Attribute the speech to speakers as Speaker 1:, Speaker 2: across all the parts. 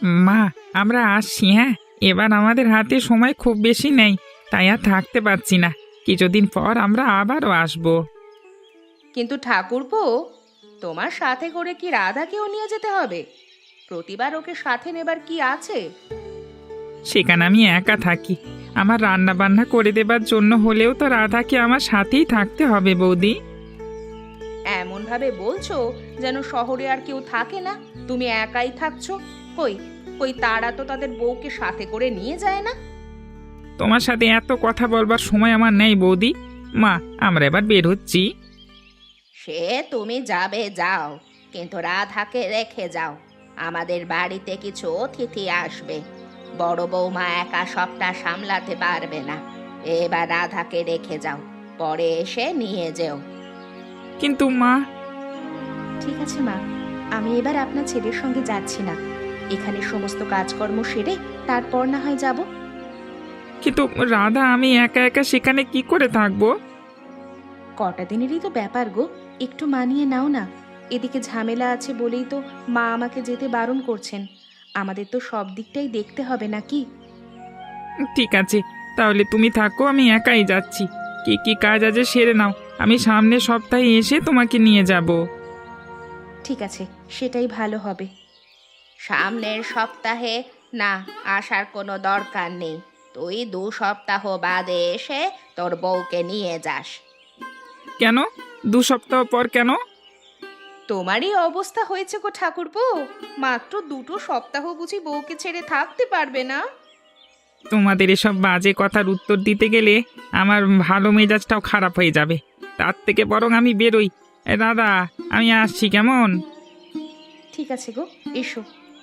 Speaker 1: মা, আমরা আসছি, হ্যাঁ। এবার আমাদের হাতে সময় খুব বেশি নেই, তাই আর থাকতে পারছি না। কিছুদিন পর আমরা আবারও আসবো।
Speaker 2: কিন্তু ঠাকুরপো, তোমার সাথে করে কি রাধাকেও নিয়ে যেতে হবে? প্রতিবার ওকে সাথে নেবার কি আছে?
Speaker 1: সেখানে আমি একা থাকি, আমার রান্না বান্না করে দেবার জন্য হলেও তো রাধাকে আমার সাথেই থাকতে হবে বৌদি।
Speaker 2: এমন ভাবে বলছো যেন শহরে আর কেউ থাকে না, তুমি একাই থাকছো। কই কই তারা তো তাদের বউকে সাথে করে নিয়ে যায় না।
Speaker 1: তোমার সাথে এত কথা বলবার সময় আমার নেই বৌদি। মা, আমরা এবার বের হচ্ছি।
Speaker 2: সে তুমি যাবে যাও, কিন্তু রাধাকে রেখে যাও। আমাদের বাড়িতে কিছু অতিথি আসবে, বড় বৌমা একা সবটা সামলাতে পারবে না। এবার রাধাকে রেখে যাও, পরে এসে নিয়ে যেও।
Speaker 1: কিন্তু মা।
Speaker 2: ঠিক আছে মা, আমি এবার আপনার ছেলের সঙ্গে যাচ্ছি না। এখানে সমস্ত কাজকর্ম সেরে তারপর না হয় যাব।
Speaker 1: কিন্তু রাধা, আমি একা একা সেখানে কি করে থাকবো?
Speaker 2: কটা দিনেরই তো ব্যাপার গো, একটু মানিয়ে নাও না। এদিকে ঝামেলা আছে বলেই তো মা আমাকে যেতে বারণ করছেন। আমাদের তো সব দিকটাই দেখতে হবে নাকি?
Speaker 1: ঠিক আছে, তাহলে তুমি থাকো, আমি একাই যাচ্ছি। কি কি কাজ আছে সেরে নাও, আমি সামনের সপ্তাহে এসে তোমাকে নিয়ে যাব।
Speaker 2: ঠিক আছে, সেটাই ভালো হবে। সামনের সপ্তাহে না, আসার কোনো দরকার নেই। তুই 2 সপ্তাহ বাদে এসে তোর বউকে নিয়ে যাস।
Speaker 1: কেন? 2 সপ্তাহ পর কেন?
Speaker 2: তোমারই অবস্থা হয়েছে গো ঠাকুরপো, মাত্র 2 সপ্তাহ বুঝি বউকে ছেড়ে থাকতে পারবে না?
Speaker 1: তোমাদের এসব বাজে কথার উত্তর দিতে গেলে আমার ভালো মেজাজটাও খারাপ হয়ে যাবে। তার থেকে বরং আমি বেরোই। দাদা, আমি আসছি, কেমন?
Speaker 2: ঠিক আছে গো, এসো।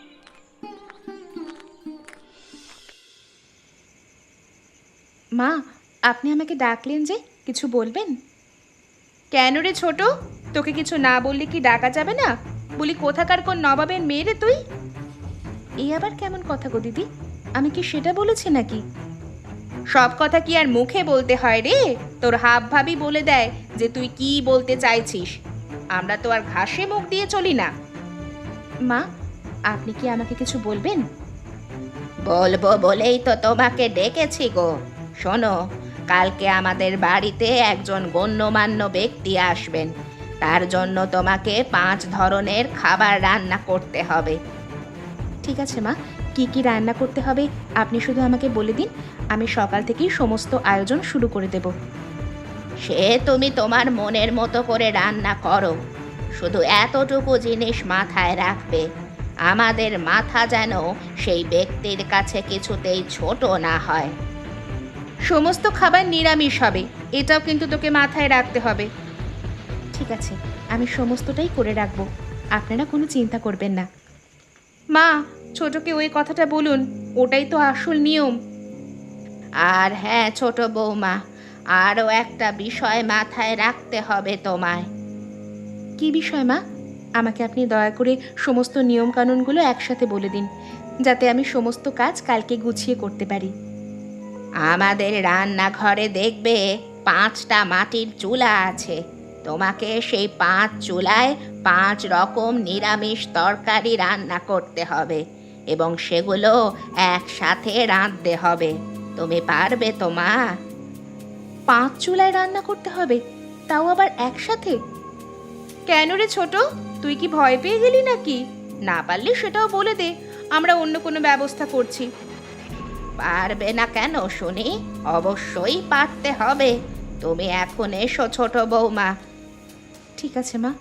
Speaker 2: মা, আপনি আমাকে ডাকলেন যে, কিছু বলবেন? কেন রে ছোট, তোকে কিছু না বললে কি ডাকা যাবে না? বলি কোথাকার কোন নবাবের মেয়ে রে তুই? এই আবার কেমন কথা গো দিদি, আমি কি সেটা বলেছি নাকি? সব কথা কি আর মুখে বলতে হয় রে? তোর হাব ভাবি বলে দেয় যে তুই কি বলতে চাইছিস। আমরা তো আর ঘাসে মুখ দিয়ে চলি না। মা, আপনি কি আমাকে কিছু বলবেন? বলবো বলেই তো তোমাকে ডেকেছি গো। শোনো, কালকে আমাদের বাড়িতে একজন গণ্যমান্য ব্যক্তি আসবেন। তার জন্য তোমাকে 5 ধরনের খাবার রান্না করতে হবে। ঠিক আছে মা, কি কি রান্না করতে হবে আপনি শুধু আমাকে বলে দিন, আমি সকাল থেকেই সমস্ত আয়োজন শুরু করে দেব। সে তুমি তোমার মনের মতো করে রান্না করো, শুধু এতটুকু জিনিস মাথায় রাখবে, আমাদের মাথা যেন সেই ব্যক্তির কাছে কিছুতেই ছোট না হয়। সমস্ত খাবার নিরামিষ হবে, এটাও কিন্তু তোকে মাথায় রাখতে হবে। ঠিক আছে, আমি সমস্তটাই করে রাখবো, আপনারা কোনো চিন্তা করবেন না। মা, ছোটকে ওই কথাটা বলুন, ওটাই তো আসল নিয়ম। আর হ্যাঁ ছোট বৌমা, আরও একটা বিষয় মাথায় রাখতে হবে তোমায়। কি বিষয় মা? আমাকে আপনি দয়া করে সমস্ত নিয়মকানুনগুলো একসাথে বলে দিন, যাতে আমি সমস্ত কাজ কালকে গুছিয়ে করতে পারি। আমাদের রান্নাঘরে দেখবে 5টা মাটির চুলা আছে। তোমাকে সেই 5 চুলায় 5 রকম নিরামিষ তরকারি রান্না করতে হবে এবং সেগুলো একসাথে রাঁধতে হবে। তুমি পারবে তো মা? 5 চুলায় রান্না করতে হবে, তাও আবার একসাথে? কেন রে ছোট, তুই কি ভয় পেয়ে গেলি নাকি? না পারলে সেটাও বলে দে, আমরা অন্য কোনো ব্যবস্থা করছি। পারবে না কেন শুনি? অবশ্যই পারতে হবে। তুমি এখন এসো ছোট বৌমা। ঠিক আছে মা।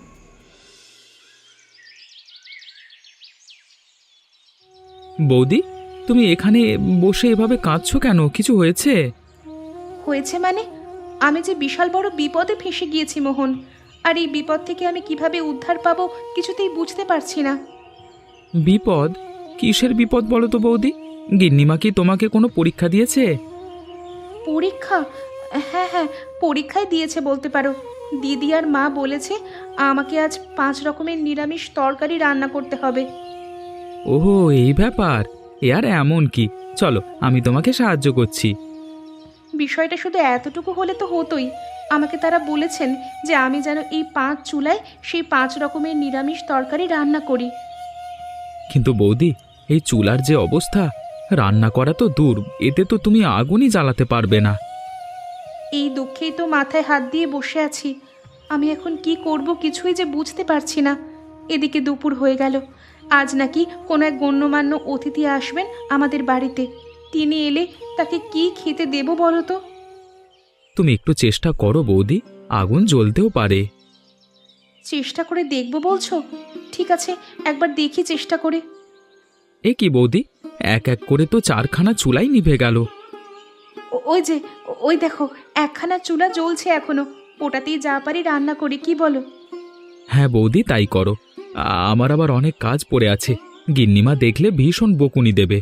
Speaker 3: বৌদি, তুমি এখানে বসে এভাবে কাঁদছো কেন? কিছু হয়েছে?
Speaker 2: হয়েছে মানে? আমি যে বিশাল বড় বিপদে ফেঁসে গিয়েছি মোহন, আর এই বিপদ থেকে আমি কিভাবে উদ্ধার পাবো কিছুতেই বুঝতে পারছি না।
Speaker 3: বিপদ? কিসের বিপদ বলো তো বৌদি? গিন্নিমা কি তোমাকে কোনো পরীক্ষা দিয়েছে?
Speaker 2: পরীক্ষা? হ্যাঁ হ্যাঁ, পরীক্ষায় দিয়েছে বলতে পারো। দিদি আর মা বলেছে আমাকে আজ 5 রকমের নিরামিষ তরকারি রান্না করতে হবে।
Speaker 3: ওহো, এই ব্যাপার। এ আর এমন কি, চলো আমি তোমাকে সাহায্য করছি।
Speaker 2: বিষয়টা শুধু এতটুকু হলে তো হতোই। আমাকে তারা বলেছেন যে আমি যেন এই 5 চুলায় সেই 5 রকমের নিরামিষ তরকারি রান্না করি।
Speaker 3: কিন্তু বৌদি, এই চুলার যে অবস্থা, রান্না করা তো দূর, এতে তো তুমি আগুনই জ্বালাতে পারবে না।
Speaker 2: এই দুঃখেই তো মাথায় হাত দিয়ে বসে আছি। আমি এখন কি করব কিছুই যে বুঝতে পারছি না। এদিকে দুপুর হয়ে গেল। আজ নাকি কোনো এক গণ্যমান্য অতিথি আসবেন আমাদের বাড়িতে। তিনি এলে তাকে কি খেতে দেব বলো তো?
Speaker 3: তুমি একটু চেষ্টা করো বৌদি, আগুন জ্বলতেও পারে।
Speaker 2: চেষ্টা করে দেখব বলছো? ঠিক আছে, একবার দেখি চেষ্টা করে।
Speaker 3: এ কি বৌদি, এক এক করে তো 4খানা চুলাই নিভে গেল।
Speaker 2: ওই যে, ওই দেখো, একখানা চুলা জ্বলছে এখনো। ওটাতেই যা পারি রান্না করি, কি বলো?
Speaker 3: হ্যাঁ বৌদি, তাই করো। আমার আবার অনেক কাজ পড়ে আছে, গিন্নিমা দেখলে ভীষণ বকুনি দেবে।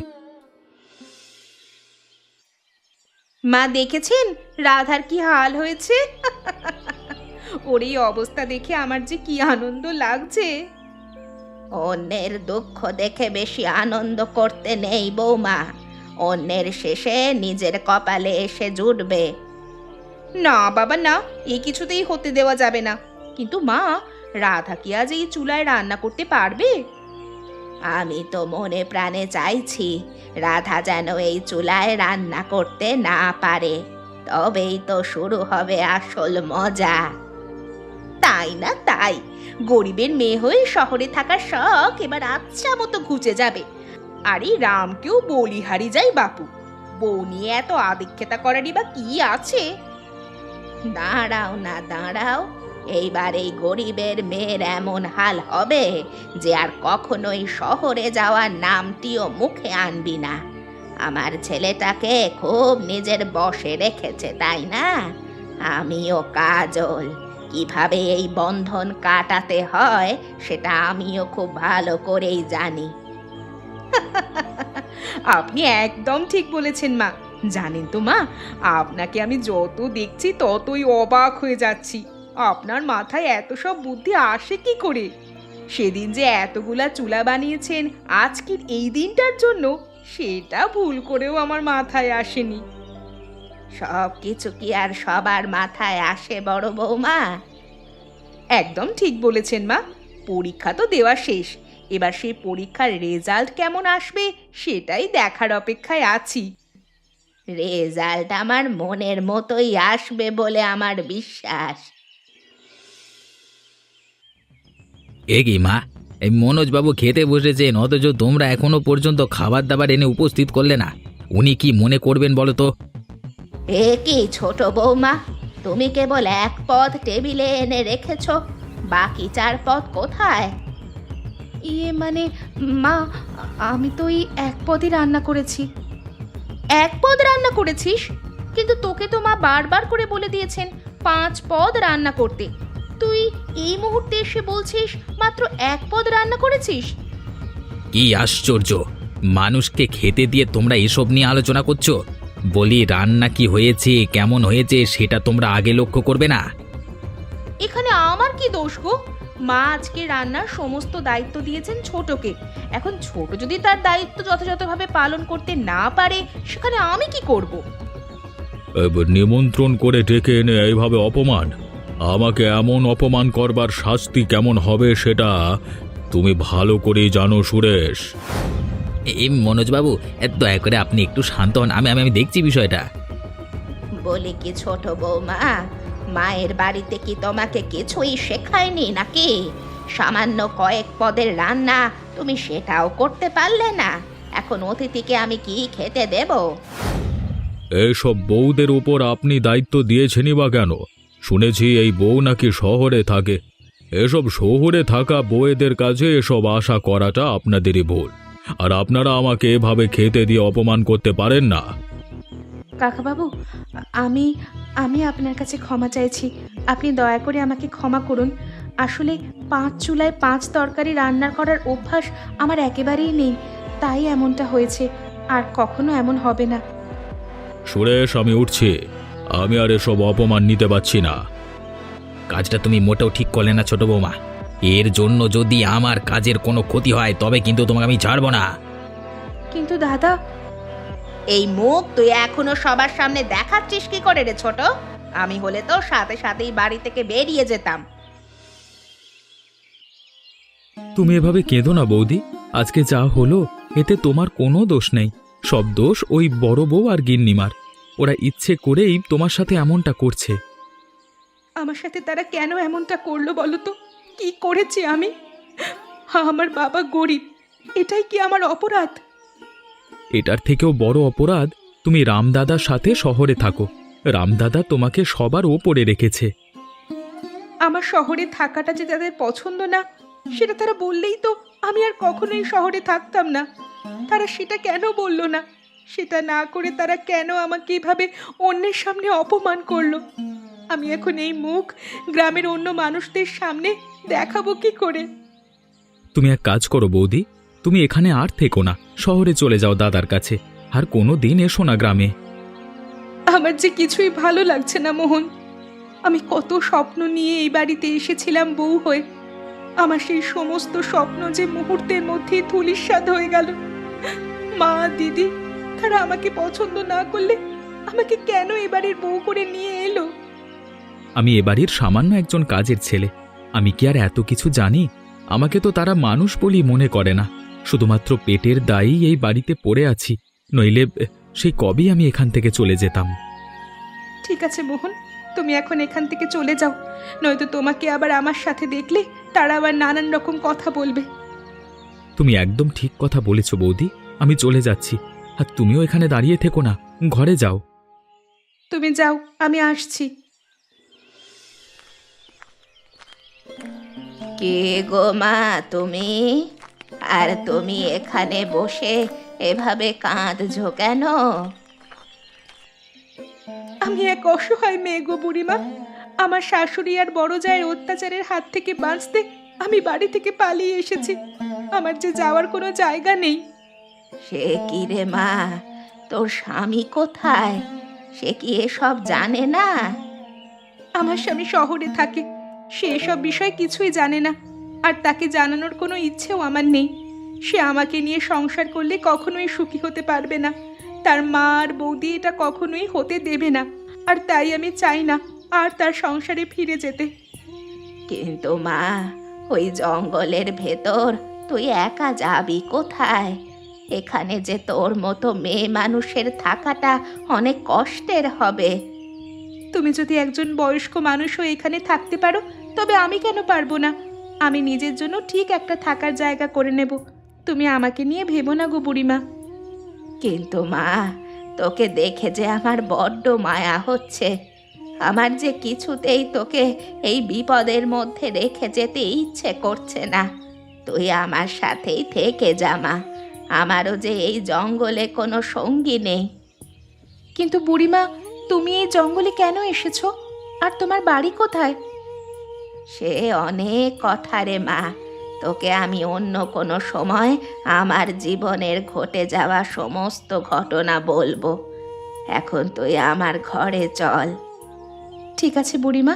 Speaker 2: মা দেখেছেন রাধার কি হাল হয়েছে? ওর এই অবস্থা দেখে আমার যে কি আনন্দ লাগছে।
Speaker 4: অন্যের দুঃখ দেখে বেশি আনন্দ করতে নেই বৌমা। অন্যের শেষে নিজের কপালে এসে জুটবে।
Speaker 2: না বাবা না, এ কিছুতেই হতে দেওয়া যাবে না। কিন্তু মা, রাধা কি আজ এই চুলায় রান্না করতে পারবে?
Speaker 4: আমি তো মনে প্রাণে চাইছি রাধা যেন এই চুলায় রান্না করতে না পারে, তবেই তো শুরু হবে আসল মজা।
Speaker 2: তাই না তাই, গরিবের মেয়ে হয়ে শহরে থাকার শখ এবার আচ্ছা মতো ঘুচে যাবে। আর এই রামকেও বলিহারি যাই বাপু, বউ নিয়ে এত আদিক্ষেতা করারই বা কি আছে?
Speaker 4: দাঁড়াও না দাঁড়াও, এইবার এই গরিবের মেয়ের এমন হাল হবে যে আর কখনোই শহরে যাওয়ার নামটিও মুখে আনবি না। আমার ছেলেটাকে খুব নিজের বশে রেখেছে তাই না? আমিও কাজল, কিভাবে এই বন্ধন কাটাতে হয় সেটা আমিও খুব ভালো করেই জানি।
Speaker 2: আপনি একদম ঠিক বলেছেন মা। জানেন তো মা, আপনাকে আমি যত দেখছি ততই অবাক হয়ে যাচ্ছি। আপনার মাথায় এত সব বুদ্ধি আসে কি করে? সেদিন যে এতগুলা চুলা বানিয়েছেন আজকের এই দিনটার জন্য, সেটা ভুল করেও আমার মাথায় আসেনি।
Speaker 4: সব কিছু কি আর সবার মাথায় আসে বড় বৌমা?
Speaker 2: একদম ঠিক বলেছেন মা। পরীক্ষা তো দেওয়া শেষ, এবার সেই পরীক্ষার রেজাল্ট কেমন আসবে সেটাই দেখার অপেক্ষায় আছি।
Speaker 4: রেজাল্ট আমার মনের মতোই আসবে বলে আমার বিশ্বাস।
Speaker 5: এ কি মা, এই মনোজবাবু খেতে বসেছেন অথচ তোমরা এখনো পর্যন্ত খাবার দাবার এনে উপস্থিত করলে না। উনি কি মনে করবেন বলো তো?
Speaker 4: এ কি ছোট বৌমা, তুমি কেবল এক পদ টেবিলে এনে রেখেছো, বাকি 4 পদ কোথায়?
Speaker 2: মানে মা, আমি তো এই এক পদই রান্না করেছি। এক পদ রান্না করেছিস? কিন্তু তোকে তো মা বারবার করে বলে দিয়েছেন 5 পদ রান্না করতে। তুই এই মুহূর্তে এসে বলছিস মাত্র এক পদ রান্না করেছিস?
Speaker 5: কি আশ্চর্য, মানুষকে খেতে দিয়ে তোমরা এসব নিয়ে আলোচনা করছো? বলি রান্না কি হয়েছে, কেমন হয়েছে সেটা তোমরা আগে লক্ষ্য করবে না?
Speaker 2: এখানে আমার কি দোষ গো? মা আজকে রান্নার সমস্ত দায়িত্ব দিয়েছেন ছোটকে। এখন ছোট যদি তার দায়িত্ব যথাযথভাবে পালন করতে না পারে, সেখানে আমি কি করব?
Speaker 6: এবার নিমন্ত্রণ করে ডেকে এনে এইভাবে অপমান, আমাকে এমন অপমান করবার শাস্তি কেমন হবে সেটা তুমি ভালো করেই জানো সুরেশ।
Speaker 5: এই মনোজবাবু, দয়া করে আপনি একটু শান্ত হন, আমি দেখছি বিষয়টা।
Speaker 4: বলি কি ছোট বৌমা, মায়ের বাড়িতে কি তোমাকে কিছুই শেখায়নি নাকি? সামান্য কয়েক পদের রান্না তুমি সেটাও করতে পারলে না। এখন অতিথিকে আমি কি খেতে দেব?
Speaker 6: এসব বউদের উপর আপনি দায়িত্ব দিয়েছেনই বা কেন? শুনেছি এই বউ নাকি শহরে থাকে। এসব শহরে থাকা বউয়েদের কাছে এসব আশা করাটা আপনাদেরই ভুল। আর আপনারা আমাকে এভাবে খেতে দিয়ে অপমান করতে পারেন না।
Speaker 2: কাকাবাবু, আমি আমি আপনার কাছে ক্ষমা চাইছি। আপনি দয়া করে আমাকে ক্ষমা করুন। আসলে 5 চুলায় 5 তরকারি রান্না করার অভ্যাস আমার একেবারেই নেই, তাই এমনটা হয়েছে। আর কখনো এমন হবে না।
Speaker 6: সুরেশ, আমি উঠছি। আমি আর এসব অপমান নিতে পারছি না।
Speaker 5: কাজটা তুমি মোটেও ঠিক করলে না ছোট বৌমা। এর জন্য যদি আমার কাজের কোনো ক্ষতি হয় তবে কিন্তু তোমাকে আমি ছাড়বো না।
Speaker 2: কিন্তু দাদা,
Speaker 4: এই মুখ তুই এখনো সবার সামনে দেখাচ্ছিস কি করে রে ছোট? আমি হলে তো সাথে সাথেই বাড়ি থেকে বেরিয়ে যেতাম।
Speaker 3: তুমি এভাবে কেঁদো না বৌদি, আজকে যা হলো এতে তোমার কোনো দোষ নেই, সব দোষ ওই বড় বউ আর গিন্নিমার। ওরা ইচ্ছে করেই তোমার সাথে এমনটা করছে।
Speaker 2: আমার সাথে তারা কেন এমনটা করলো বলো তো? কি করেছি আমি? আমার বাবা গরিব, এটাই কি আমার অপরাধ?
Speaker 3: এটার থেকেও বড় অপরাধ তুমি রামদাদার সাথে শহরে থাকো। রামদাদা তোমাকে সবার ওপরে রেখেছে।
Speaker 2: আমার শহরে থাকাটা যে তাদের পছন্দ না, সেটা তারা বললেই তো আমি আর কখনোই শহরে থাকতাম না। তারা সেটা কেন বললো না? সেটা না করে তারা কেন আমাকে এভাবে অন্যের সামনে অপমান করলো? আমি এখন এই মুখ গ্রামের অন্য মানুষদের সামনে দেখাবো কি করে?
Speaker 3: তুমি এক কাজ করো বৌদি, তুমি এখানে আর থেকো না, শহরে চলে যাও দাদার কাছে। আর কোনো দিন এসো না গ্রামে।
Speaker 2: আমার যে কিছুই ভালো লাগছে না মোহন। আমি কত স্বপ্ন নিয়ে এই বাড়িতে এসেছিলাম বউ হয়ে। আমার সেই সমস্ত স্বপ্ন যে মুহূর্তের মধ্যেই ধূলিসাৎ হয়ে গেল। মা দিদি তারা আমাকে পছন্দ না করলে আমাকে কেন এ বাড়ির বউ করে নিয়ে এলো?
Speaker 3: আমি এ বাড়ির সামান্য একজন কাজের ছেলে, আমি কি আর এত কিছু জানি? আমাকে তো তারা মানুষ বলেই মনে করে না। শুধুমাত্র পেটের দায়েই এই বাড়িতে পড়ে আছি, নইলে সেই কবেই আমি এখান থেকে চলে যেতাম।
Speaker 2: ঠিক আছে মোহন, তুমি এখন এখান থেকে চলে যাও, নয়তো তোমাকে আবার আমার সাথে দেখলে তারা আবার নানান রকম কথা বলবে।
Speaker 3: তুমি একদম ঠিক কথা বলেছ বৌদি, আমি চলে যাচ্ছি। আর তুমিও এখানে দাঁড়িয়ে থেকো না, ঘরে যাও।
Speaker 2: তুমি যাও, আমি আসছি।
Speaker 4: কে গো মা তুমি? আর তুমি এখানে বসে এভাবে কাঁদছো কেন?
Speaker 2: আমি এক অসহায় মেয়ে গো বুড়িমা। আমার শাশুড়ি আর বড় জায়ের অত্যাচারের হাত থেকে বাঁচতে আমি বাড়ি থেকে পালিয়ে এসেছি। আমার যে যাওয়ার কোনো জায়গা নেই।
Speaker 4: সে কি রে মা, তোর স্বামী কোথায়? সে কি এসব জানে না?
Speaker 2: আমার স্বামী শহরে থাকে, সে এসব বিষয় কিছুই জানে না, আর তাকে জানানোর কোনো ইচ্ছেও আমার নেই। সে আমাকে নিয়ে সংসার করলে কখনোই সুখী হতে পারবে না। তার মা আর বৌদি এটা কখনোই হতে দেবে না, আর তাই আমি চাই না আর তার সংসারে ফিরে যেতে।
Speaker 4: কিন্তু মা, ওই জঙ্গলের ভেতর তুই একা যাবি কোথায়? এখানে যে তোর মতো মেয়ে মানুষের থাকাটা অনেক কষ্টের হবে।
Speaker 2: তুমি যদি একজন বয়স্ক মানুষও এখানে থাকতে পারো, তবে আমি কেন পারবো না? আমি নিজের জন্য ঠিক একটা থাকার জায়গা করে নেব। তুমি আমাকে নিয়ে ভেবো না গো বুড়িমা।
Speaker 4: কিন্তু মা, তোকে দেখে যে আমার বড্ড মায়া হচ্ছে। আমার যে কিছুতেই তোকে এই বিপদের মধ্যে রেখে যেতে ইচ্ছে করছে না। তুই আমার সাথেই থেকে যা মা। আমারও যে এই জঙ্গলে কোনো সঙ্গী নেই।
Speaker 2: কিন্তু বুড়িমা, তুমি এই জঙ্গলে কেন এসেছো? আর তোমার বাড়ি কোথায়?
Speaker 4: সে অনেক কথা রে মা, তোকে আমি অন্য কোনো সময় আমার জীবনের ঘটে যাওয়া সমস্ত ঘটনা বলবো। এখন তুই আমার ঘরে চল।
Speaker 2: ঠিক আছে বুড়িমা।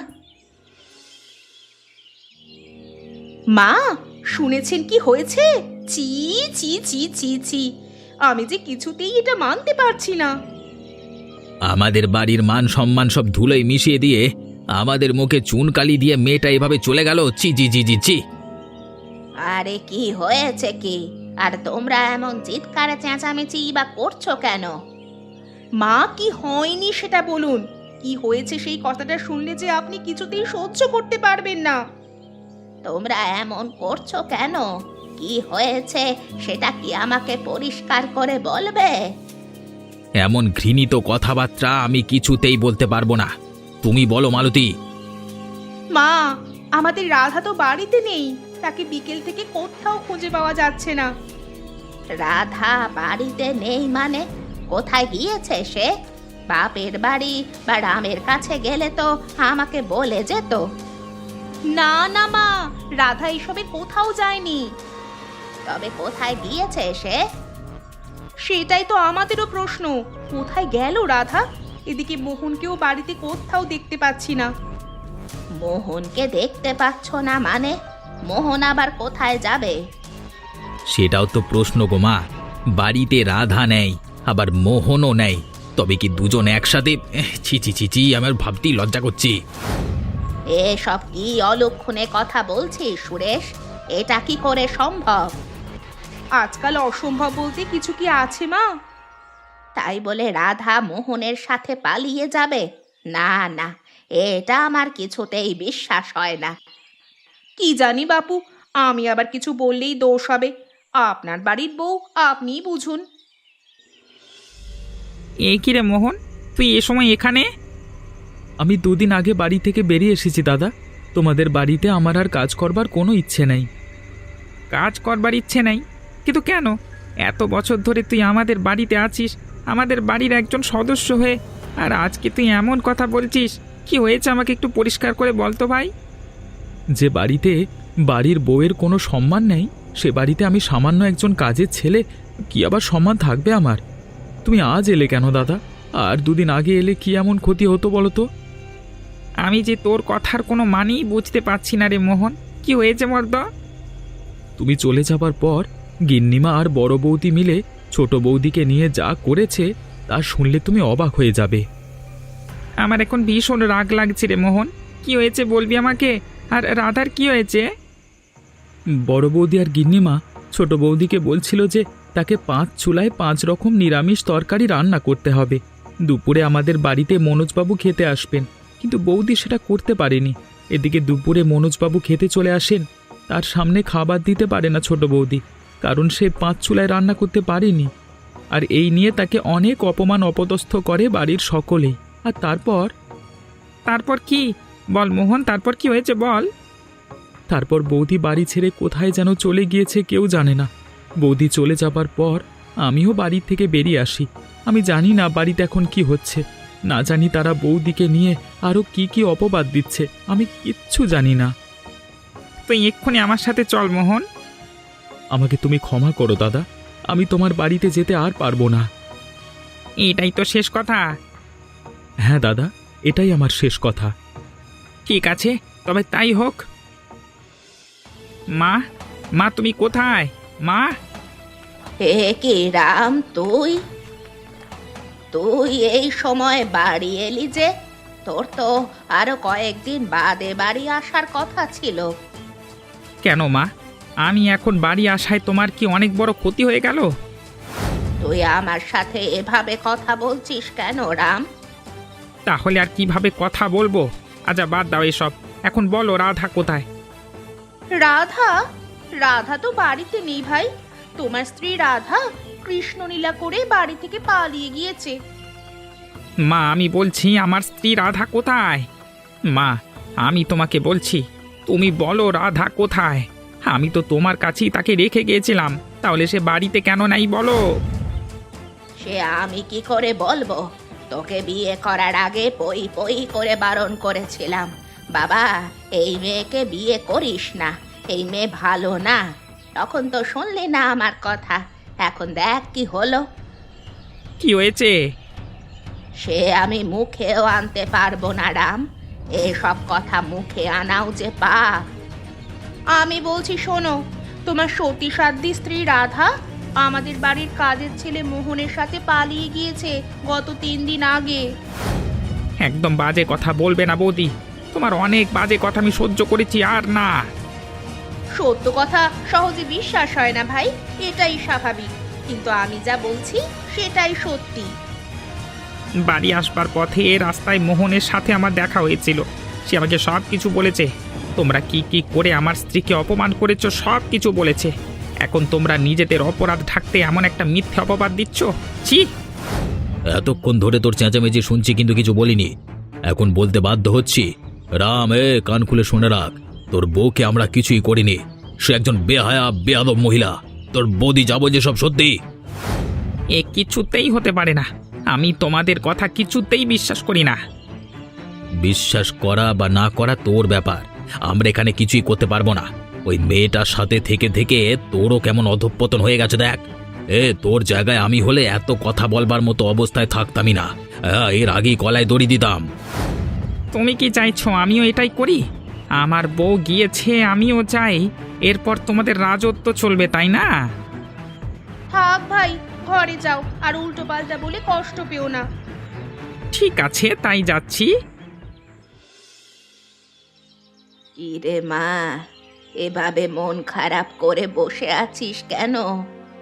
Speaker 2: মা, শুনেছেন কি হয়েছে? চি চি চি চি চি, আমি যে কিছুতেই এটা মানতে পারছি না।
Speaker 5: আমাদের বাড়ির মান সম্মান সব ধুলোয় মিশিয়ে দিয়ে আমাদের মুখে চুনকালি দিয়ে মেয়েটা এভাবে চলে গেল। চি জি জি জি চি।
Speaker 4: আরে কি হয়েছে কি? আর তোমরা এমন চিৎকারে চেঁচামেচি বা করছো কেন?
Speaker 2: মা, কি হয়নি সেটা বলুন। কি হয়েছে সেই কথাটা শুনলে যে আপনি কিছুতেই সহ্য করতে পারবেন না।
Speaker 4: তোমরা এমন করছো কেন? কি হয়েছে সেটা কি আমাকে পরিষ্কার করে বলবে?
Speaker 5: এমন ঘৃণিত কথাবার্তা আমি কিছুতেই বলতে পারবো না। তুমি বলো মালতী।
Speaker 2: মা, আমাদের রাধা তো বাড়িতে নেই। তাকে বিকেল থেকে কোথাও খুঁজে পাওয়া যাচ্ছে না।
Speaker 4: রাধা বাড়িতে নেই মানে? কোথায় গিয়েছে সে? বাপের বাড়ি বা রামের কাছে গেলে তো আমাকে বলে যেত।
Speaker 2: না না মা, রাধা এসবের কোথাও যায়নি।
Speaker 4: তবে কোথায় গিয়েছে সে?
Speaker 2: সেটাই তো আমাদেরও প্রশ্ন। কোথায় গেল রাধা? এদিকে মোহনকেও বাড়িতে কোথাও দেখতে পাচ্ছি না।
Speaker 4: মোহনকে দেখতে পাচ্ছ না মানে? মোহন আবার কোথায় যাবে?
Speaker 5: সেটাও তো প্রশ্ন গো মা। বাড়িতে রাধা নেই, আবার মোহনও নেই, তবে কি দুজন একসাথে? ছি ছি ছি ছি, আমার ভাবতেই লজ্জা করছি।
Speaker 4: এসব কি অলক্ষণে কথা বলছিস সুরেশ? এটা কি করে সম্ভব?
Speaker 2: আজকাল অসম্ভব বলতে কিছু কি আছে মা?
Speaker 4: তাই বলে রাধা মোহনের সাথে পালিয়ে যাবে? না না, এটা আমার কিছুতেই বিশ্বাস হয় না।
Speaker 2: কি জানি বাপু, আমি আবার কিছু বললেই দোষ হবে। আপনার বাড়ির বউ, আপনিই বুঝুন।
Speaker 1: এ কি রে মোহন, তুই এ সময় এখানে?
Speaker 3: আমি দুদিন আগে বাড়ি থেকে বেরিয়ে এসেছি দাদা। তোমাদের বাড়িতে আমার আর কাজ করবার কোনো ইচ্ছে নেই।
Speaker 1: কাজ করবার ইচ্ছে নাই? কিন্তু কেন? এত বছর ধরে তুই আমাদের বাড়িতে আছিস, আমাদের বাড়ির একজন সদস্য হয়ে, আর আজকে তুই এমন কথা বলছিস। কি হয়েছে আমাকে একটু পরিষ্কার করে বল তো ভাই।
Speaker 3: যে বাড়িতে বাড়ির বউয়ের কোনো সম্মান নেই, সে বাড়িতে আমি সামান্য একজন কাজের ছেলে, কি আবার সম্মান থাকবে আমার? তুমি আজ এলে কেন দাদা? আর দুদিন আগে এলে কি এমন ক্ষতি হতো বলো তো?
Speaker 1: আমি যে তোর কথার কোনো মানেই বুঝতে পারছি না রে মোহন। কি হয়েছে মর্দ?
Speaker 3: তুমি চলে যাবার পর গিন্নিমা আর বড় বৌদি মিলে ছোট বৌদিকে নিয়ে যা করেছে তা শুনলে তুমি অবাক হয়ে যাবে।
Speaker 1: আমার এখন ভীষণ রাগ লাগছে রে মোহন। কি হয়েছে বলবি আমাকে? আর রাধার কি হয়েছে?
Speaker 3: বড় বৌদি আর গিন্নিমা ছোট বৌদিকে বলছিল যে তাকে 5 চুলায় 5 রকম নিরামিষ তরকারি রান্না করতে হবে। দুপুরে আমাদের বাড়িতে মনোজবাবু খেতে আসবেন, কিন্তু বৌদি সেটা করতে পারেনি। এদিকে দুপুরে মনোজবাবু খেতে চলে আসেন, তার সামনে খাবার দিতে পারে না ছোট বৌদি, কারণ সে 5 চুলায় রান্না করতে পারেনি। আর এই নিয়ে তাকে অনেক অপমান অপদস্থ করে বাড়ির সকলেই। আর
Speaker 1: তারপর কি বল মোহন, তারপর কি হয়েছে বল।
Speaker 3: তারপর বৌদি বাড়ি ছেড়ে কোথায় যেন চলে গিয়েছে, কেউ জানে না। বৌদি চলে যাবার পর আমিও বাড়ি থেকে বেরিয়ে আসি। আমি জানি না বাড়িতে এখন কি হচ্ছে, না জানি তারা বৌদিকে নিয়ে আরও কি কি অপবাদ দিচ্ছে, আমি কিচ্ছু জানি না।
Speaker 1: তুই এক্ষুনি আমার সাথে চল মোহন।
Speaker 3: আমাকে তুমি ক্ষমা করো দাদা, আমি তোমার বাড়িতে যেতে আর পারবো না।
Speaker 1: এটাই তো শেষ কথা?
Speaker 3: হ্যাঁ দাদা, এটাই আমার শেষ কথা।
Speaker 1: ঠিক আছে, তবে তাই হোক। মা, মা তুমি কোথায় মা?
Speaker 4: হে কি রাম, তুই তুই এই সময় বাড়ি এলি যে? তোর তো আরো কয়েকদিন বাদে বাড়ি আসার কথা ছিল।
Speaker 1: কেন মা, আমি এখন বাড়ি আসায় তোমার কি অনেক বড় ক্ষতি হয়ে গেল?
Speaker 4: তুই আমার সাথে এভাবে কথা বলছিস কেন রাম?
Speaker 1: তাহলে আর কিভাবে কথা বলবো? আচ্ছা বাদ দাও এসব, এখন বলো রাধা কোথায়?
Speaker 2: রাধা? রাধা তো বাড়িতে নেই ভাই। তোমার স্ত্রী রাধা কৃষ্ণলীলা করে বাড়ি থেকে পালিয়ে গিয়েছে।
Speaker 1: মা আমি বলছি আমার স্ত্রী রাধা কোথায়? মা আমি তোমাকে বলছি, তুমি বলো রাধা কোথায়? আমি তো তোমার কাছেই তাকে রেখে গিয়েছিলাম, তাহলে সে বাড়িতে কেন নাই বলো?
Speaker 4: সে আমি কি করে বলবো? তোকে বিয়ে করার আগে পই পই করে বারণ করেছিলাম, বাবা এই মেয়েকে বিয়ে করিস না, এই মেয়ে ভালো না। তখন তো শুনলি না আমার কথা। এখন দেখ কি হলো।
Speaker 1: কি হয়েছে?
Speaker 4: সে আমি মুখেও আনতে পারবো না রাম, এসব কথা মুখে আনাও যে পাপ।
Speaker 2: আমি বলছি শোনো, তোমার সতী সাধ্বী স্ত্রী রাধা আমাদের বাড়ির কাজের ছেলে মোহনের সাথে পালিয়ে গিয়েছে গত 3 দিন আগে।
Speaker 1: একদম বাজে কথা বলবে না বৌদি, তোমার অনেক বাজে কথা আমি সহ্য করেছি, আর না।
Speaker 2: সত্য কথা সহজে বিশ্বাস হয় না ভাই, এটাই স্বাভাবিক, কিন্তু আমি যা বলছি সেটাই সত্যি।
Speaker 1: বাড়ি আসবার পথে রাস্তায় মোহনের সাথে আমার দেখা হয়েছিল। সে আমাকে সব কিছু বলেছে, তোমরা কি কি করে আমার স্ত্রীকে অপমান করেছো সব কিছু বলেছে। এখন তোমরা নিজেদের অপরাধ ঢাকতে এমন একটা মিথ্যে অপবাদ দিচ্ছ, ছি!
Speaker 5: এতক্ষণ ধরে তোর চেঁচামেচি শুনছি কিন্তু কিছু বলিনি, এখন বলতে বাধ্য হচ্ছি। রাম, কান খুলে শুনে রাখ, তোর বউকে আমরা কিছুই করিনি। সে একজন বেহায়া বেয়াদব মহিলা। তোর বৌদি যাবো যে সব সত্যি।
Speaker 1: এ কিছুতেই হতে পারে না, আমি তোমাদের কথা কিছুতেই বিশ্বাস করি না।
Speaker 5: বিশ্বাস করা বা না করা তোর ব্যাপার, আমরা এখানে কিছুই করতে পারবো না। ওই মেয়েটার সাথে থেকে থেকে তোরও কেমন অধঃপতন হয়ে গেছে দেখ। তোর জায়গায় আমি হলে এত কথা বলবার মতো অবস্থায় থাকতামই না। এর আগেই গলায় দড়ি দিতাম।
Speaker 1: তুমি কি চাইছো আমিও এটাই করি? আমার বউ গিয়েছে, আমিও চাই, এরপর তোমাদের রাজত্ব চলবে, তাই না?
Speaker 2: থাক ভাই, ঘরে যাও, আর উল্টো পাল্টা বলে কষ্ট পেও না।
Speaker 1: ঠিক আছে, তাই যাচ্ছি।
Speaker 4: কি রে মা, এভাবে মন খারাপ করে বসে আছিস কেন?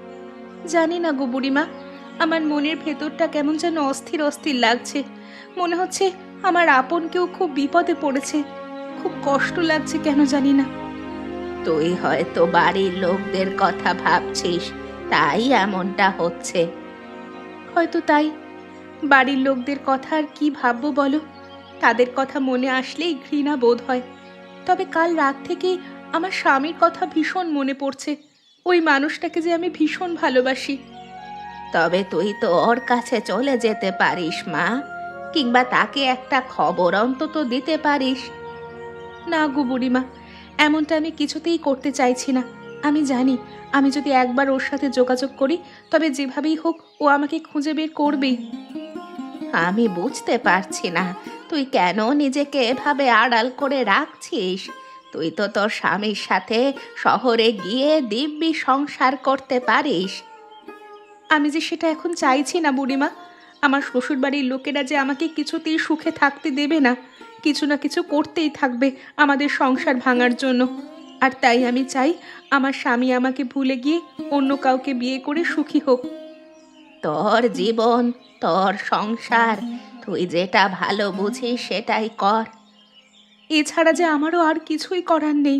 Speaker 2: জানি না গো বুড়িমা, আমার মনের ভেতরটা কেমন যেন অস্থির অস্থির লাগছে। মনে হচ্ছে আমার আপন কেউ খুব বিপদে পড়েছে। খুব কষ্ট লাগছে কেন জানি না।
Speaker 4: তুই হয়তো বাড়ির লোকদের কথা ভাবছিস, তাই এমনটা হচ্ছে।
Speaker 2: হয়তো তাই। বাড়ির লোকদের কথা আর কি ভাববো বলো? তাদের কথা মনে আসলেই ঘৃণা বোধ হয়। তবে কাল রাত থেকেই আমার স্বামীর কথা ভীষণ মনে পড়ছে। ওই মানুষটাকে যে আমি ভীষণ ভালোবাসি।
Speaker 4: তবে তুই তো ওর কাছে চলে যেতে পারিস মা, কিংবা তাকে একটা খবর অন্তত দিতে পারিস।
Speaker 2: না গো বুড়িমা, এমনটা আমি কিছুতেই করতে চাইছি না। আমি জানি আমি যদি একবার ওর সাথে যোগাযোগ করি, তবে যেভাবেই হোক ও আমাকে খুঁজে বের করবেই।
Speaker 4: আমি বুঝতে পারছি না তুই কেন নিজেকে এভাবে আড়াল করে রাখছিস। তুই তো তোর স্বামীর সাথে শহরে গিয়ে দিব্যি সংসার করতে পারিস।
Speaker 2: আমি যে সেটা এখন চাইছি না বুড়িমা। আমার শ্বশুরবাড়ির লোকেরা যে আমাকে কিছুতেই সুখে থাকতে দেবে না, কিছু না কিছু করতেই থাকবে আমাদের সংসার ভাঙার জন্য। আর তাই আমি চাই আমার স্বামী আমাকে ভুলে গিয়ে অন্য কাউকে বিয়ে করে সুখী হোক।
Speaker 4: তোর জীবন, তোর সংসার, তুই যেটা ভালো বুঝিস সেটাই কর।
Speaker 2: এছাড়া যে আমারও আর কিছুই করার নেই।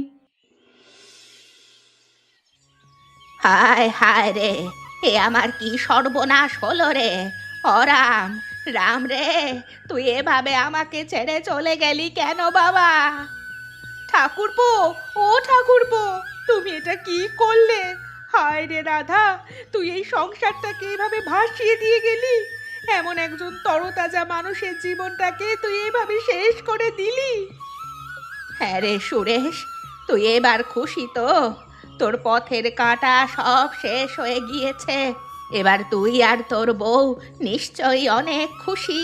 Speaker 4: হায় হায় রে, এ আমার কি সর্বনাশ হলো রে! রাম, রাম রে, তুই এভাবে আমাকে ছেড়ে চলে গেলি কেন বাবা?
Speaker 2: ঠাকুরপো, ও ঠাকুরপো, তুমি এটা কি করলে? হায় রে রাধা, তুই এই সংসারটাকে এভাবে ভাসিয়ে দিয়ে গেলি। এমন একজন তরতাজা মানুষের জীবনটাকে তুই এভাবে শেষ করে দিলি।
Speaker 4: হ্যাঁ রে সুরেশ, তুই এবার খুশি তো? তোর পথের কাঁটা সব শেষ হয়ে গিয়েছে। এবার তুই আর তোর বউ নিশ্চয়ই অনেক খুশি।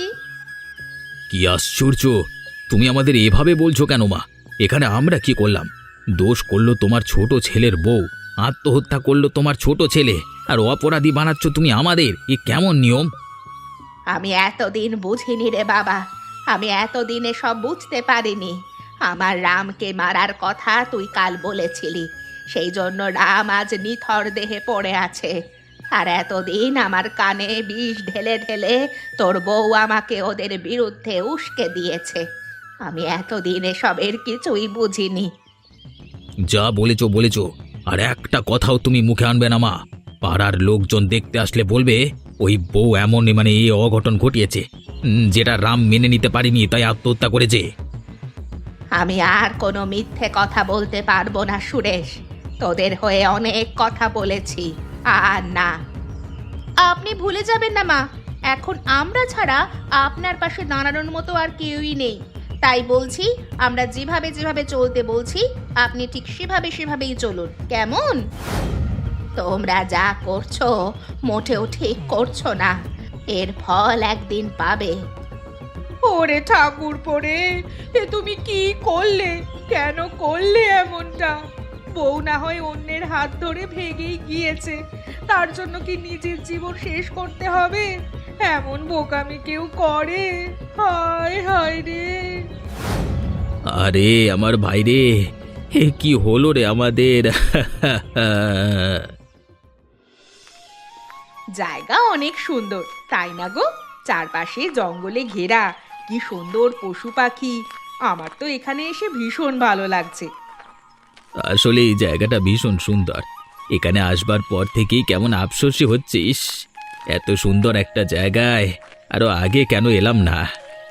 Speaker 5: কি আশ্চর্য! তুমি আমাদের এভাবে বলছো কেন মা? এখানে আমরা কি করলাম? দোষ করলো তোমার ছোট ছেলের বউ, আত্মহত্যা করলো তোমার ছোট ছেলে, আর অপরাধী বানাচ্ছ তুমি আমাদের। এ কেমন নিয়ম?
Speaker 4: আমি এতদিন বুঝিনি রে বাবা, আমি এতদিনে সব বুঝতে পারিনি। আমার রামকে মারার কথা তুই কাল বলেছিলি, সেই জন্য রাম আজ নিথর দেহে পড়ে আছে। আর এতদিন আমার কানে বিষ ঢেলে ঢেলে তোর বউ আমাকে ওদের বিরুদ্ধে উস্কে দিয়েছে। আমি এতদিন এসবের কিছুই বুঝিনি।
Speaker 5: যা বলেছো বলেছো, আর একটা কথাও তুমি মুখে আনবে না মা। পাড়ার লোকজন দেখতে আসলে বলবে ওই বউ এমন এই অঘটন ঘটিয়েছে, যেটা রাম মেনে নিতে পারিনি তাই আত্মহত্যা করেছে।
Speaker 4: আমি আর কোনো মিথ্যে কথা বলতে পারবো না সুরেশ। তোদের হয়ে অনেক কথা বলেছি, আর না।
Speaker 2: আপনি ভুলে যাবেন না মা, এখন আমরা ছাড়া আপনার পাশে দাঁড়ানোর মতো আর কেউই নেই। তাই বলছি, আমরা যেভাবে যেভাবে চলতে বলছি আপনি ঠিক সেভাবেই চলুন, কেমন?
Speaker 4: তোমরা যা করছো মোটেও ঠিক করছো না। এর ফল একদিন পাবে।
Speaker 2: ওরে ঠাকুর পড়ে, এ তুমি কি করলে? কেন করলে এমনটা? বউ না হয় অন্যের হাত ধরে ভেঙেই গিয়েছে, তার জন্য কি নিজের জীবন শেষ করতে হবে? এমন বোকামি কেউ করে? হায় হায় রে!
Speaker 5: আরে আমার ভাই রে, এ কি হলো রে আমাদের?
Speaker 2: জায়গা অনেক সুন্দর, তাই না গো? চারপাশে জঙ্গলে ঘেরা, কি সুন্দর পশু পাখি। আমার তো এখানে এসে ভীষণ ভালো লাগছে।
Speaker 5: আসলে এই জায়গাটা ভীষণ সুন্দর। এখানে আসবার পর থেকেই কেমন আফসোসই হচ্ছিস, এত সুন্দর একটা জায়গায় আরো আগে কেন এলাম না।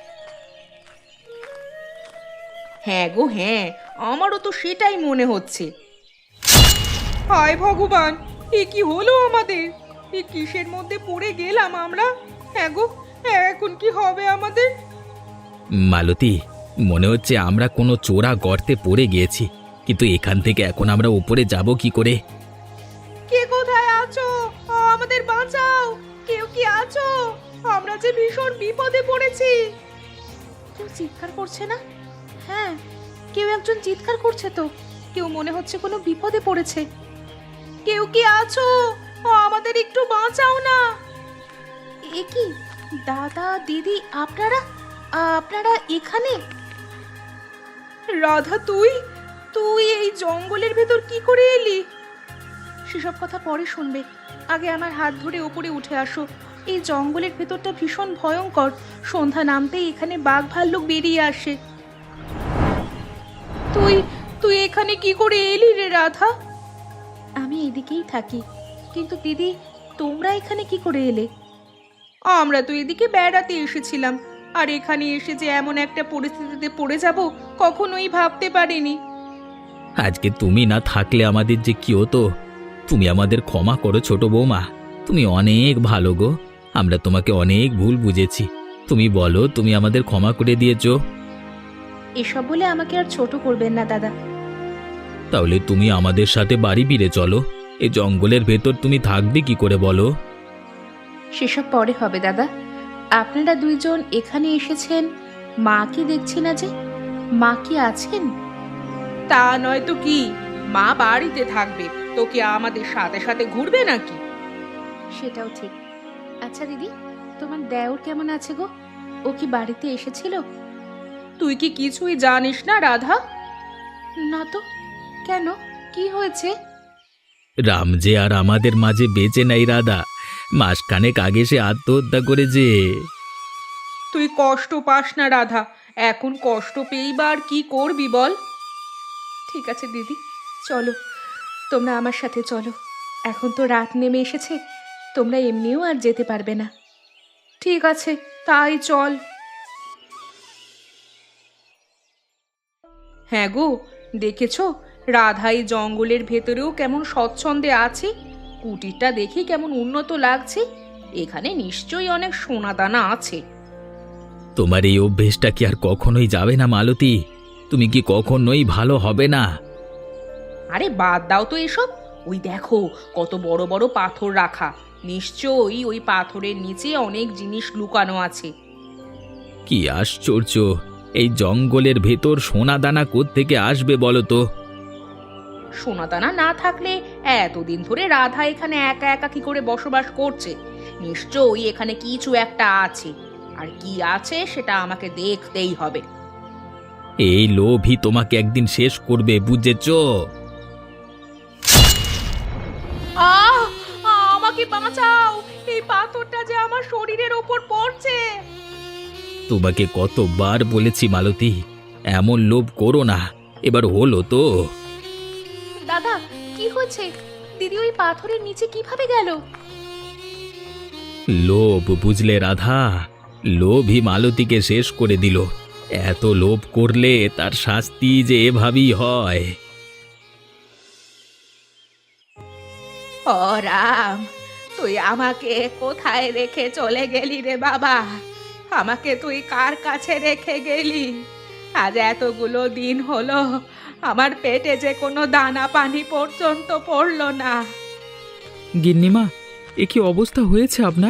Speaker 2: হ্যাঁ গো হ্যাঁ, আমারও তো সেটাই মনে হচ্ছে। হায় ভগবান, এ কি হলো আমাদের? এ কিসের মধ্যে পড়ে গেলাম আমরা? হ্যাঁ গো, এখন কি হবে আমাদের?
Speaker 5: মালতী, মনে হচ্ছে আমরা কোনো চোরা গর্তে পড়ে গিয়েছি, কিন্তু এখান থেকে এখন আমরা উপরে যাব কি করে?
Speaker 2: কে কোথায় আছো? আমাদের বাঁচাও! কেউ কি আছো? আমরা যে ভীষণ বিপদে পড়েছি। কেউ চিৎকার করছে না? হ্যাঁ, কেউ একজন চিৎকার করছে তো। কেউ মনে হচ্ছে কোনো বিপদে পড়েছে। কেউ কি আছো? আমাদের একটু বাঁচাও না। এ কি দাদা দিদি, আপনারা আপনারা এখানে? রাধা, তুই তুই এই জঙ্গলের ভেতর কি করে এলি? সেসব কথা পরে শুনবে। আগে আমার হাত ধরে ওপরে উঠে আসো। এই জঙ্গলের ভেতরটা ভীষণ ভয়ঙ্কর। সন্ধ্যা নামতেই এখানে বাঘ ভাল্লুক বেরিয়ে আসে। তুই তুই এখানে কি করে এলি রে রাধা? আমি এদিকেই থাকি, কিন্তু দিদি তোমরা এখানে কি করে এলে? আমরা তো এদিকে বেড়াতে এসেছিলাম, আর এখানে এসে যে এমন একটা পরিস্থিতিতে পড়ে যাব কখনোই ভাবতে পারিনি।
Speaker 5: আজকে তুমি না থাকলে আমাদের যে কি হতো। তুমি আমাদের ক্ষমা করো ছোট বৌমা, তুমি অনেক ভালো গো। আমরা তোমাকে অনেক ভুল বুঝেছি। তুমি বলো, তুমি আমাদের ক্ষমা করে দিয়েছো।
Speaker 2: এসব বলে আমাকে আর ছোট করবেন না দাদা।
Speaker 5: তাহলে তুমি আমাদের সাথে বাড়ি ফিরে চলো। এই জঙ্গলের ভেতর তুমি থাকবে কি করে বলো?
Speaker 2: সেসব পরে হবে দাদা। আপনারা দুইজন এখানে এসেছেন, মা কি দেখছি না যে? মা কি আছেন? তা নয় তো কি, মা বাড়িতে থাকবে, তোকে আমাদের সাথে সাথে ঘুরবে নাকি? সেটাও ঠিক। আচ্ছা দিদি, তোমার দেওর কেমন আছে গো? ও কি বাড়িতে এসেছিল? তুই কি কিছুই জানিস না রাধা? না তো, কেন, কি হয়েছে?
Speaker 5: রাম যে আর আমাদের মাঝে বেঁচে নাই রাধা। মাসখানেক আগে সে আত্মহত্যা করেছে।
Speaker 2: তুই কষ্ট পাস না রাধা, এখন কষ্ট পেয়েই বা আর কি করবি বল? ঠিক আছে দিদি, চলো, তোমরা আমার সাথে চলো। এখন তো রাত নেমে এসেছে, তোমরা এমনিও আর যেতে পারবে না। ঠিক আছে, তাই চল। হ্যাঁ গো, দেখেছো রাধা এই জঙ্গলের ভেতরেও কেমন স্বচ্ছন্দে আছে। কুটিরটা দেখি কেমন উন্নত লাগছে। এখানে নিশ্চয়ই অনেক সোনাদানা আছে।
Speaker 5: তোমার এই অভ্যেসটা কি আর কখনোই যাবে না মালতী? তুমি কি কখনোই ভালো হবে না?
Speaker 2: আরে বাদ দাও তো এসব। ওই দেখো কত বড় বড় পাথর রাখা, নিশ্চয়ই ওই পাথরের নিচে অনেক জিনিস লুকানো আছে।
Speaker 5: কি আশ্চর্য! এই জঙ্গলের ভেতর সোনাদানা কোত্থেকে আসবে বলো তো?
Speaker 2: সোনাদানা না থাকলে এতদিন ধরে রাধা এখানে একা একা কি করে বসবাস করছে? নিশ্চয়ই এখানে কিছু একটা আছে, আর কি আছে সেটা আমাকে দেখতেই হবে।
Speaker 5: এই লোভই তোমাকে একদিন শেষ করবে, বুঝেছো?
Speaker 2: আমাকে বাঁচাও, এই পাথরটা যে আমার শরীরের ওপর পড়ছে।
Speaker 5: তোমাকে কতবার বলেছি মালতী, এমন লোভ করো না। এবার হলো তো।
Speaker 2: দাদা, কি হয়েছে? দিদি ওই পাথরের নিচে কিভাবে গেল?
Speaker 5: লোভ, বুঝলে রাধা? লোভই মালতীকে শেষ করে দিল। এত লোভ করলে তার শাস্তি যে এভাবেই হয়।
Speaker 2: ও রাম, তুই আমাকে কোথায় রেখে চলে গেলি রে বাবা? আমাকে তুই কার কাছে রেখে গেলি? আজ এতগুলো দিন হলো আমার পেটে যে কোনো দানা পানি পর্যন্ত পড়লো না।
Speaker 3: গিন্নিমা, এ কি অবস্থা হয়েছে আপনার?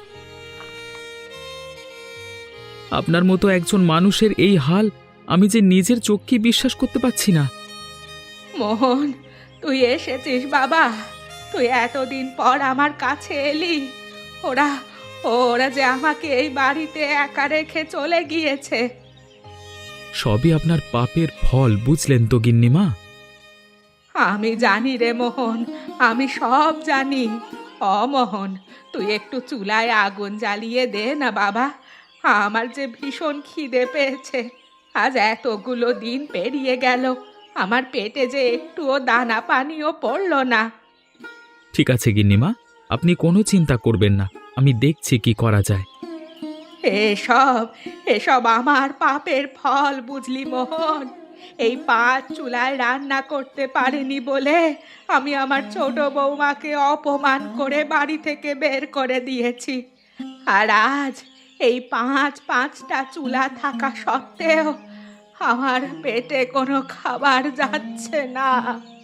Speaker 3: আপনার মতো একজন মানুষের এই হাল আমি যে নিজের চোখকে বিশ্বাস করতে পারছি না।
Speaker 2: মোহন, তুই এসেছিস বাবা। তুই এতদিন পর আমার কাছে এলি। ওরা ওরা যে আমাকে এই বাড়িতে একা রেখে চলে গিয়েছে।
Speaker 3: সবই আপনার পাপের ফল, বুঝলেন তো গিন্নিমা?
Speaker 2: আমি জানি রে মোহন, আমি সব জানি। মোহন, তুই একটু চুলায় আগুন জ্বালিয়ে দে না বাবা। আমার যে ভীষণ খিদে পেয়েছে। আজ এতগুলো দিন পেরিয়ে গেল, আমার পেটে যে একটুও দানা পানিও পড়লো না।
Speaker 3: ঠিক আছে গিন্নিমা, আপনি কোনো চিন্তা করবেন না, আমি দেখছি কি করা যায়।
Speaker 2: এসব এসব আমার পাপের ফল, বুঝলি মোহন? এই 5 চুলায় রান্না করতে পারেনি বলে আমি আমার ছোট বৌমাকে অপমান করে বাড়ি থেকে বের করে দিয়েছি। আর আজ এই 5টা চুলা থাকা সত্ত্বেও আমার পেটে কোনো খাবার যাচ্ছে না।